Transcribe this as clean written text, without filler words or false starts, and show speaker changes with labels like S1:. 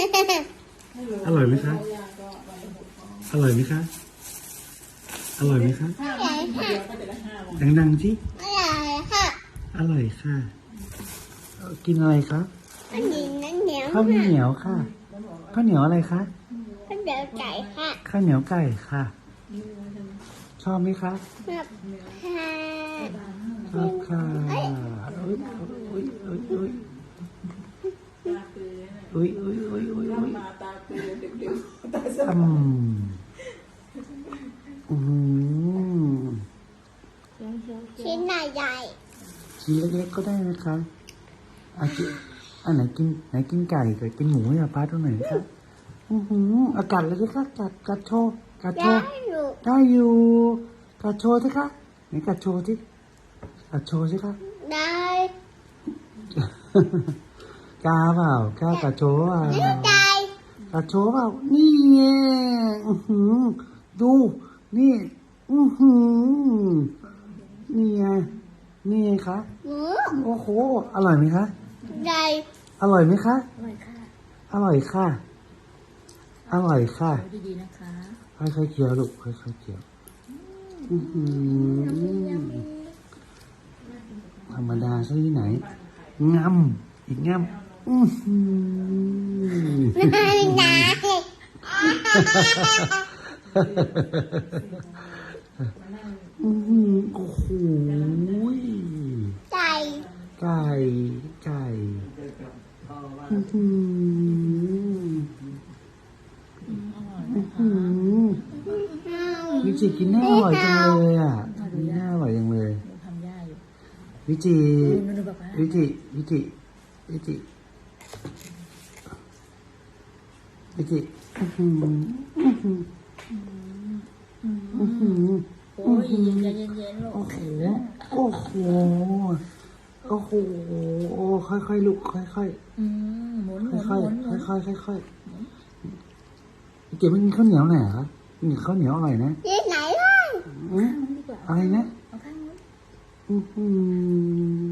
S1: อร่อยไหมคะอร่อยไหมคะอร่อยไหมคะ
S2: อร่อยค่ะ
S1: ดังๆสิ
S2: อร่อยค่ะ
S1: อร่อยค่ะกินอะไรคะ
S2: ข้าวเหนียวน้ำเหนียว
S1: ข้าวเหนียวค่ะข้าวเหนียวอะไรคะ
S2: ข้าวเหนียวไก่ค่ะ
S1: ข้าวเหนียวไก่ค่ะ ชอบไหมคะ
S2: แบบค่ะ
S1: ชอบค่ะอุ้ยอุ้ยอุ้ยอุ้ยอุ้ยอุ้ยอุ้ยอุ้ยอุ้ยอืม
S2: ชิ้นใหญ่
S1: ชิ้นเล็กๆก็ได้นะคะอันไหนกินไก่กับกินหมูให้ป้าตรงไหนคะอากาศเลยสิคะกัดโชว์กัด
S2: ๆ
S1: โช
S2: ได้
S1: ว์
S2: อยู่
S1: ได้อยู่กัดโชว์สิคะไหนกัดโชว์สิกัดโชว์สิคะ
S2: ได้
S1: กล้าเปล่ากล้ากัดโชว์เปล่า
S2: ไม่ได้
S1: กัดโชว์เปล่านี่ไงดูนี่นี่ไงนี่ไงคะ
S2: หมู
S1: โอ้โหอร่อยไหมคะ
S2: ได้
S1: อร่อยไหมคะ
S2: อร่อยค่ะ
S1: อร่อยค่ะ อร่อยค่ะ
S2: ดีๆนะคะ
S1: ค่อยๆเคี้ยวลูกค่อยๆเคี้ยวธรรมดาซะที่ไหนงำอีกงำ
S2: ไม่ได้
S1: โอ้โห
S2: ไก่
S1: ไก่วิจิกินน่าอร่อยจังเลยอ่ะน่าอร่อยจังเลยวิจิวิจิวิจิวิจิวิจิ
S2: โอ้ยเย็นๆลูก
S1: โอ้โหโอ้โหโอ้โหโอ้ค่อยๆลูกค่อยๆ
S2: หมุน
S1: ค่อยๆค่อยๆค่อยๆเก็บไม่กินข้าวเหนียวหน่อยเหรอกินข้าวเหนียวอร่อยนะ
S2: ที่ไหนล่ะ
S1: อะไรนะ
S2: เอาข้างนู้น
S1: อื้อหือ